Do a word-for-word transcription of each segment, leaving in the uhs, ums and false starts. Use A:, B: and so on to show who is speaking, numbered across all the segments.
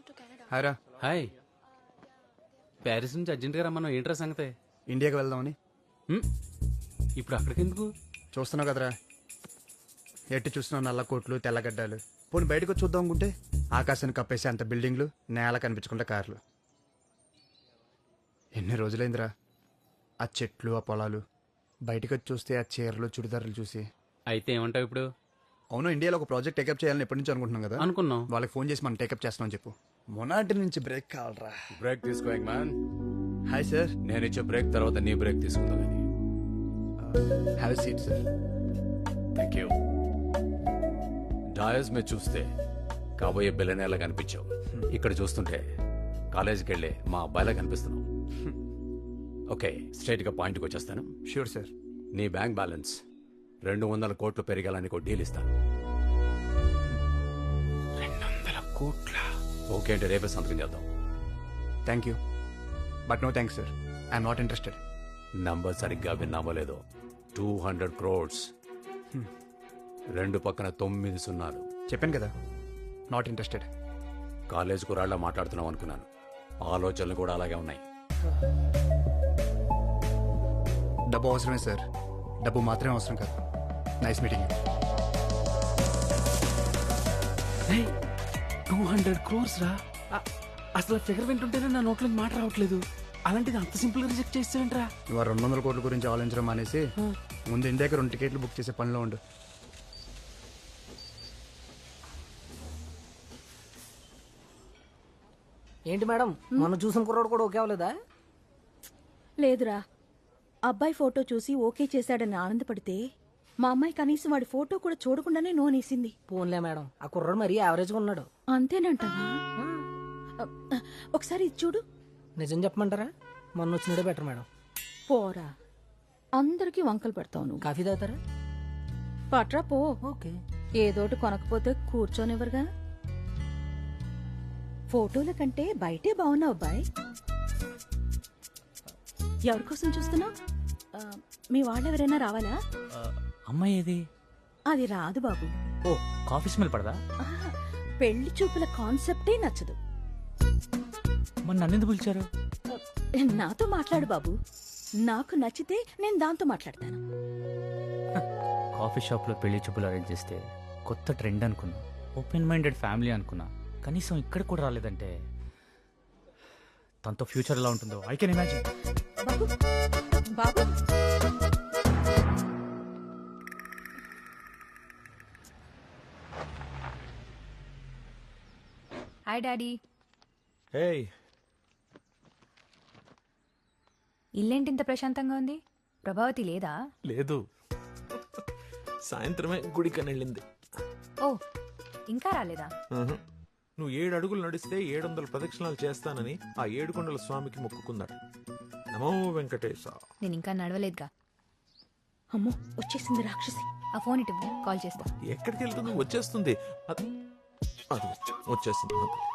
A: హాయ్రా.
B: Hi. Paris నుంచి అర్జెంట్గా రమ్మన్నావు, ఏంట్రా సంగతే?
A: ఇండియాకి వెళ్దామని.
B: హ్మ్? ఇప్పుడు అక్కడికి ఎందుకు?
A: చూస్తున్నావు కదరా, ఎట్టి చూస్తున్నావు నల్ల కోట్లు తెల్లగడ్డలు. పోనీ బయటకు వచ్చి చూద్దాం అనుకుంటే ఆకాశాన్ని కప్పేసి అంత బిల్డింగ్లు, నేల కనిపించకుండా కార్లు. ఎన్ని రోజులైందిరా ఆ చెట్లు ఆ పొలాలు. బయటకు వచ్చి చూస్తే ఆ చీరలు చుడిదారులు చూసి.
B: అయితే ఏమంటావు ఇప్పుడు?
A: అవును, ఇండియాలో ఒక ప్రాజెక్ట్ టేకప్ చేయాలని ఎప్పటి నుంచి అనుకుంటున్నాం కదా.
B: అనుకున్నాం.
A: వాళ్ళకి ఫోన్ చేసి మనం టేకప్ చేస్తామని చెప్పు. మొనాటి నుంచి బ్రేక్ కావాలరా.
C: బ్రేక్ తీసుకో మ్యాన్.
A: Hi sir.
C: నేను ఇచ్చే బ్రేక్ తర్వాత నీ బ్రేక్ తీసుకుందా కానీ.
A: Have seat sir.
C: Thank you. Dais మీద చూస్తే కాబోయే బిల్లనేలా కనిపించావు, ఇక్కడ చూస్తుంటే కాలేజీకి వెళ్ళే మా అబ్బాయిలా కనిపిస్తున్నావు. ఓకే, స్ట్రైట్ గా పాయింట్కి వచ్చేస్తాను.
A: Sure sir.
C: నీ బ్యాంక్ బ్యాలెన్స్ రెండు వందల కోట్లు పెరిగాలని ఒక డీల్ ఇస్తాను.
B: రెండు వందల కోట్ల
C: ఓకే అంటే రేపే సంతకం చేద్దాం.
A: Thank you but no thanks sir. I'm not interested.
C: Number సరిగ్గా విన్నామో లేదో, టూ హండ్రెడ్ క్రోడ్స్ రెండు పక్కన తొమ్మిది సున్నాలు.
A: చెప్పాను కదా, నాట్ ఇంట్రెస్టెడ్.
C: కాలేజ్ కురాళ్ళ మాట్లాడుతున్నాం అనుకున్నాను, ఆలోచనలు కూడా అలాగే ఉన్నాయి.
A: డబ్బు అవసరమే సార్, డబ్బు మాత్రమే అవసరం కాదు. Nice meeting.
B: Two hundred crores రా. అ- అసలు ఫిగర్ వింటుంటేనే నా నోట్లో మాట రావట్లేదు. అలాంటిది అంత సింపుల్ గా రిజెక్ట్ చేస్తావేంట్రా?
A: ఇవాళ రెండు వందల కోట్ల గురించి ఆలోచించడం మానేసి ముందు ఇండియాకి రెండు టికెట్లు బుక్ చేసే పనిలో ఉండు.
D: ఏంటి మేడం, మనం చూసిన కుర్రాడు కూడా ఓకే అవ్వలేదా?
E: లేదురా, అబ్బాయి ఫోటో చూసి ఓకే చేశాడని ఆనందపడితే మా అమ్మాయి కనీసం వాడి ఫోటో కూడా చూడకుండానే నోనేసింది.
D: పోన్లే మేడం, ఆ కుర్రాడు మరీ యావరేజ్గా ఉన్నాడు.
E: అంతేనంటావా? ఒకసారి ఇది చూడు.
D: నిజం చెప్పమంటారా, మొన్న వచ్చినడే బెటర్ మేడం.
E: పోరా, అందరికీ వంకలు పెడతావు నువ్వు.
D: కాఫీ తాగుతారా?
E: పట్రా పో.
D: ఓకే.
E: ఏదోటి కొనకపోతే కూర్చోనివ్వరుగా. ఫోటోల కంటే బయటే బాగున్నావు అబ్బాయి. ఎవరి కోసం చూస్తున్నావు? మీ వాళ్ళెవరైనా రావాలా?
F: అమ్మాయి ఏది?
E: అది రాదు బాబు.
F: ఓ, కాఫీ స్మెల్ పడదా?
E: ఆహా, పెళ్లి చూపుల కాన్సెప్టే నచ్చదు.
F: మరి నన్నెందుకు పిలిచారు?
E: నాతో మాట్లాడు బాబు, నాకు నచ్చితే నేను దాంతో మాట్లాడతాను.
F: కాఫీ షాప్ లో పెళ్లి చూపులు అరేంజ్ చేస్తే కొత్త ట్రెండ్ అనుకున్నా, ఓపెన్ మైండెడ్ ఫ్యామిలీ అనుకున్నా. కనీసం ఇక్కడ కూడా రాలేదంటే తనతో ఫ్యూచర్ ఎలా ఉంటుందో ఐ కెన్ ఇమాజిన్.
E: బాబు బాబు
G: హాయ్ డాడీ.
H: హేయ్,
G: ఇల్లేంటి ఇంత ప్రశాంతంగా ఉంది? ప్రభావతి లేదా?
H: లేదు, సాయంత్రమే గుడికని వెళ్ళింది.
G: ఓ, ఇంకా రాలేదా?
H: ఉహు. నువ్వు ఏడు అడుగులు నడిస్తే ఏడు వందల ప్రదక్షిణాలు చేస్తానని ఆ ఏడుకొండల స్వామికి మొక్కుకున్నాడు. నమో వెంకటేశ.
G: నేను ఇంకా నడవలేదుగా.
E: అమ్మో, వచ్చేసింది రాక్షసి.
G: ఆ ఫోన్ ఇటు ఇవ్వు, కాల్ చేస్తా.
H: ఎక్కడికి వెళ్తుంది? వచ్చేస్తుంది. అది అది వచ్చేసింది.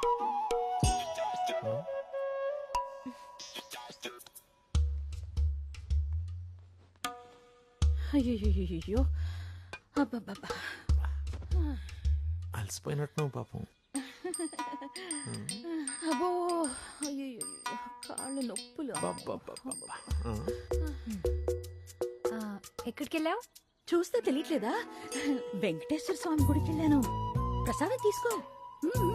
E: అయ్యో, అబ్బబ్బబ్బా,
H: అలసిపోయినట్టు పాపం.
E: అబ్బో, అయ్యో, కాళ్ళు నొప్పులు.
H: అబ్బబ్బబ్బబ్బ. ఆ.
G: ఆ, ఎక్కడికి వెళ్ళావు?
E: చూస్తే తెలియట్లేదా? వెంకటేశ్వర స్వామి గుడికి వెళ్ళాను. ప్రసాదం తీసుకో. మ్మ్.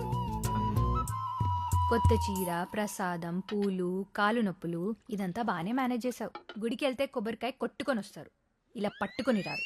G: కొత్త చీర, ప్రసాదం, పూలు, కాలు నొప్పులు, ఇదంతా బానే మేనేజ్ చేసావు. గుడికి వెళ్తే కొబ్బరికాయ కొట్టుకొని వస్తారు, ఇలా పట్టుకొని రారు.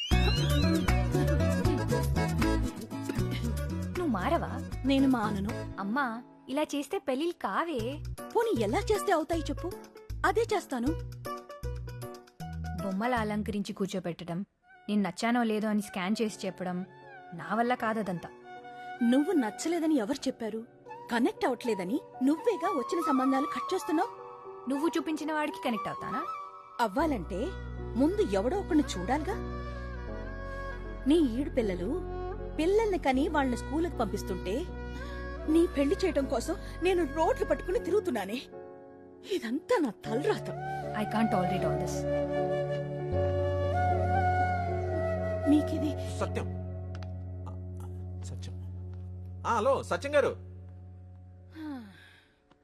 G: నువ్వు మారవా?
E: నేను మానను.
G: అమ్మా, ఇలా చేస్తే పెళ్ళిళ్ళు కావే.
E: పోనీ ఎలా చేస్తే అవుతాయి చెప్పు, అదే చేస్తాను.
G: బొమ్మలు అలంకరించి కూర్చోపెట్టడం, నేను నచ్చానో లేదో అని స్కాన్ చేసి చెప్పడం నా వల్ల కాదదంతా.
E: నువ్వు నచ్చలేదని ఎవరు చెప్పారు? కనెక్ట్ అవట్లేదని నువ్వేగా వచ్చిన సంబంధాలు కట్ చేస్తున్నావు.
G: నువ్వు చూపించిన వాడికి కనెక్ట్ అవుతానా?
E: అవ్వాలంటే ముందు ఎవడో ఒకరిని చూడాలిగా. నీ ఈడు పిల్లలు పిల్లల్ని కని వాళ్ళని స్కూలుకి పంపిస్తుంటే నీ పెళ్లి చేయడం కోసం నేను రోడ్లు పట్టుకుని తిరుగుతున్నానే. ఇదంతా నా తలరాత.
G: I can't tolerate all this.
E: మీకిది
H: సత్యం. సత్యం. ఆ, హలో సత్యం గారు.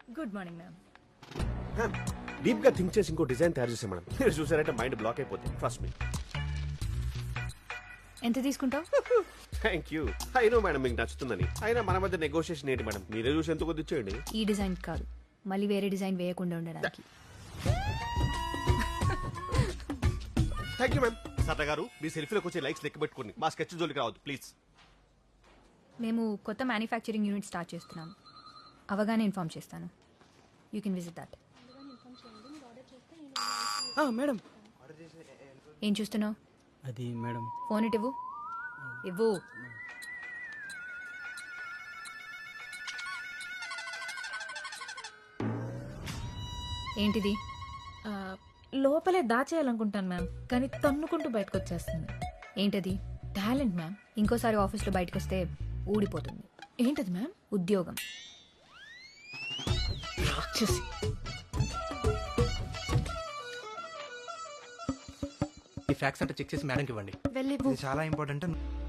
G: Good morning ma'am.
I: డీప్ గా థింక్ చేసి ఇంకో డిజైన్ తయారు చేసాం మేడం. మీరు చూసారంటే మైండ్ బ్లాక్ అయిపోతుంది. Trust me.
G: ఎంత తీసుకుంటావు?
I: Thank you. అయినో మేడం మీకు నచ్చుతుందని. అయినా మన మధ్య నెగోషియేషన్ ఏంటి మేడం? మీరే చూసి ఎంత కొద్ది ఇచ్చేయండి.
G: ఈ డిజైన్ కాదు, మళ్ళీ వేరే డిజైన్ వేయకుండా ఉండడానికి.
I: Thank you ma'am. సత్త గారు మీ సెల్ఫీలోకి వచ్చే లైక్స్ లెక్క పెట్టుకోండి. మా స్కెచ్ జోలికి రావద్దు ప్లీజ్.
G: మేము కొత్త మ్యానుఫ్యాక్చరింగ్ యూనిట్ స్టార్ట్ చేస్తున్నాం. అవగానే ఇన్ఫార్మ్ చేస్తాను. You can visit that.
D: Madam
G: ఏం చూస్తున్నావు?
D: అది మేడం
G: ఫోన్ ఇటు ఇవ్వు. ఇవ్వు. ఏంటిది?
J: లోపలే దాచేయాలనుకుంటాను మ్యామ్, కానీ తన్నుకుంటూ బయటకు వచ్చేస్తుంది.
G: ఏంటది?
J: Talent ma'am.
G: ఇంకోసారి ఆఫీస్లో బయటకు వస్తే ఊడిపోతుంది.
J: ఏంటది మ్యామ్?
G: ఉద్యోగం.
J: రాక్షసి.
B: ఈ ఫ్యాక్స్ అంటే చెక్ చేసి మేడంకి ఇవ్వండి.
G: వెళ్ళి
A: ఇది చాలా ఇంపార్టెంట్.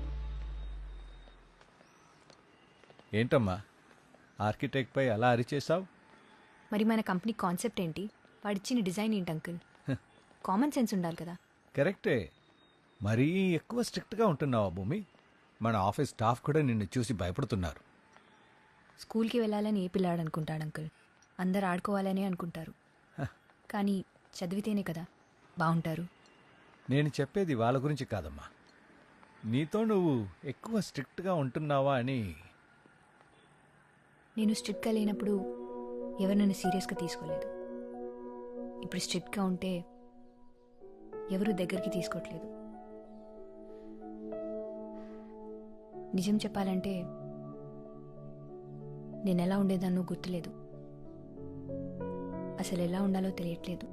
K: ఏంటమ్మా ఆర్కిటెక్ట్ పై అలా అరిచేసావు?
G: మరి మన కంపెనీ కాన్సెప్ట్ ఏంటి? వాడిచ్చిన డిజైన్ ఏంటి అంకుల్? కామన్ సెన్స్ ఉండాలి కదా.
K: కరెక్టే, మరీ ఎక్కువ స్ట్రిక్ట్గా ఉంటున్నావా భూమి? మన ఆఫీస్ స్టాఫ్ కూడా నిన్ను చూసి భయపడుతున్నారు.
G: స్కూల్కి వెళ్ళాలని ఏ పిల్లాడు అనుకుంటాడు అంకుల్? అందరు ఆడుకోవాలని అనుకుంటారు. కానీ చదివితేనే కదా బాగుంటారు.
K: నేను చెప్పేది వాళ్ళ గురించి కాదమ్మా, నీతో నువ్వు ఎక్కువ స్ట్రిక్ట్గా ఉంటున్నావా అని.
G: నేను స్ట్రిక్ట్గా లేనప్పుడు ఎవరు నన్ను సీరియస్గా తీసుకోలేదు. ఇప్పుడు స్ట్రిక్ట్గా ఉంటే ఎవరు దగ్గరికి తీసుకోవట్లేదు. నిజం చెప్పాలంటే నేను ఎలా ఉండేదాన్నో గుర్తులేదు. అసలు ఎలా ఉండాలో తెలియట్లేదు.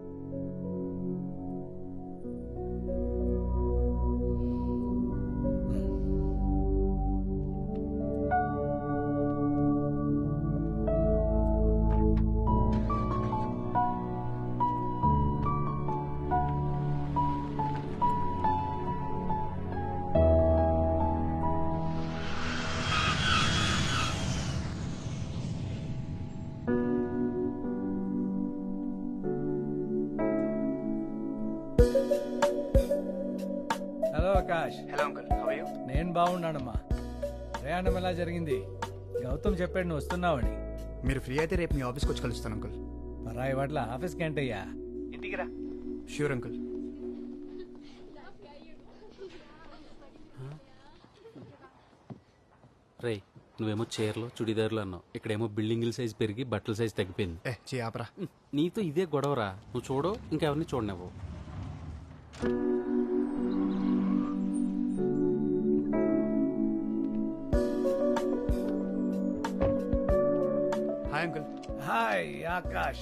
K: Hello Akash.
A: Hello uncle, how are you?
K: నేను బాగున్నానమ్మా. ప్రయాణం ఎలా జరిగింది? గౌతమ్ చెప్పాడు నువ్వు వస్తున్నావని.
A: మీరు ఫ్రీ అయితే రేపు మీ ఆఫీస్కి వచ్చి కలుస్తాను అంకుల్.
K: పరాయి వాట్ల ఆఫీస్కి ఏంటయ్యా?
A: ఇంటికి రా. Sure uncle.
B: రే, నువ్వేమో చీరలు చుడిదారులు అన్నావు, ఇక్కడేమో బిల్డింగుల సైజ్ పెరిగి బట్టల సైజ్ తగ్గిపోయింది.
A: ఏ చీ ఆపరా.
B: నీతో ఇదే గొడవరా. నువ్వు చూడు, ఇంకెవరిని చూడనివ్వు.
A: Hi uncle.
K: హాయ్ ఆకాష్.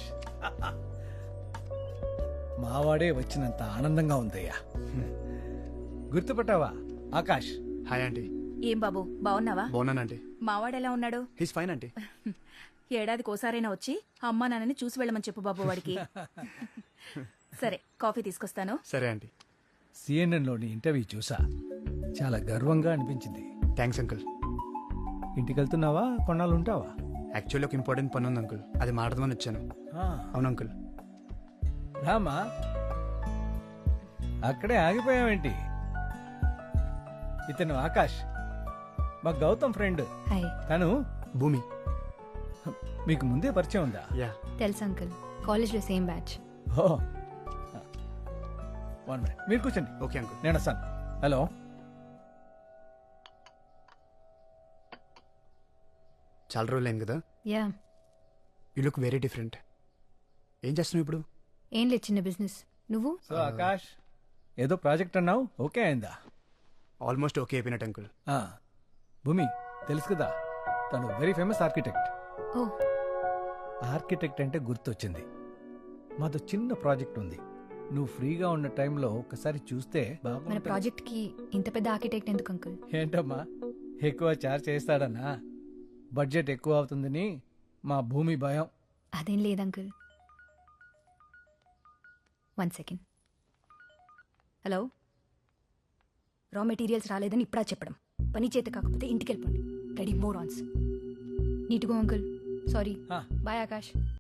K: మావాడే వచ్చినంత ఆనందంగా ఉందయ్యా. గుర్తుపట్టావా ఆకాష్?
A: Hi aunty.
E: ఏం బాబు బాగున్నావా?
A: బాగున్నానంటీ.
E: మావాడెలా ఉన్నాడు?
A: He's fine aunty.
E: ఏడాదికి ఓసారైనా వచ్చి అమ్మా నాన్నని చూసి వెళ్ళమని చెప్పు బాబు వాడికి. సరే, కాఫీ తీసుకొస్తాను.
A: సరే ఆంటీ.
K: సిఎన్ఎన్లోని ఇంటర్వ్యూ చూసా, చాలా గర్వంగా అనిపించింది.
A: Thanks uncle.
K: ఇంటికి వెళ్తున్నావా, కొన్నాళ్ళు ఉంటావా?
A: యాక్చువల్లీ ఒక ఇంపార్టెంట్ పని ఉంది అంకుల్, అది మాట్లాడదామని వచ్చాను.
K: ఆ,
A: అవును అంకుల్.
K: రామా, అక్కడే ఆగిపోయావేంటి? ఇతను ఆకాష్, మా గౌతమ్ ఫ్రెండ్.
G: హాయ్.
K: తను
A: భూమి.
K: మీకు ముందే పరిచయం ఉందా?
A: యా.
G: తెలుసు అంకుల్, కాలేజ్లో సేమ్ బ్యాచ్.
K: ఓ, వన్ మినిట్ మీరు కూర్చోండి.
A: Okay uncle.
K: నేను వస్తాను. హలో.
A: చాలా రోజులు అయింది కదా.
G: Yeah.
A: You look very different. ఏం చేస్తున్నావు ఇప్పుడు?
G: ఏం లేదు, చిన్న బిజినెస్. నువ్వు?
K: సో ఆకాష్, ఏదో ప్రాజెక్ట్ అన్నావు, ఓకే అయిందా?
A: ఆల్మోస్ట్ ఓకే అయిపోయినట్టు అంకుల్.
K: ఆ, భూమి తెలుసు కదా, తను వెరీ ఫేమస్ ఆర్కిటెక్ట్.
G: ఓ.
K: ఆర్కిటెక్ట్ అంటే గుర్తొచ్చింది, మాతో చిన్న ప్రాజెక్ట్ ఉంది. నువ్వు ఫ్రీగా ఉన్న టైంలో ఒకసారి చూస్తే
G: మన
K: బాగుంటుంది.
G: ప్రాజెక్ట్ కి ఇంత పెద్ద ఆర్కిటెక్ట్ ఎందుకు అంకుల్?
K: ఏంటమ్మా, ఎక్కువ చార్జ్ చేస్తాడన్నా? బడ్జెట్ ఎక్కువ అవుతుందని మా భూమి భయం.
G: అదేం లేదు uncle. One second. Hello. Raw materials రాలేదని ఇప్పుడా చెప్పడం? పని చేత కాకపోతే ఇంటికి వెళ్ళిపోండి. రెడీ మోర్ ఆన్స్. నీట్ గో అంకుల్. సారీ.
K: ఆ.
G: బాయ్ ఆకాష్.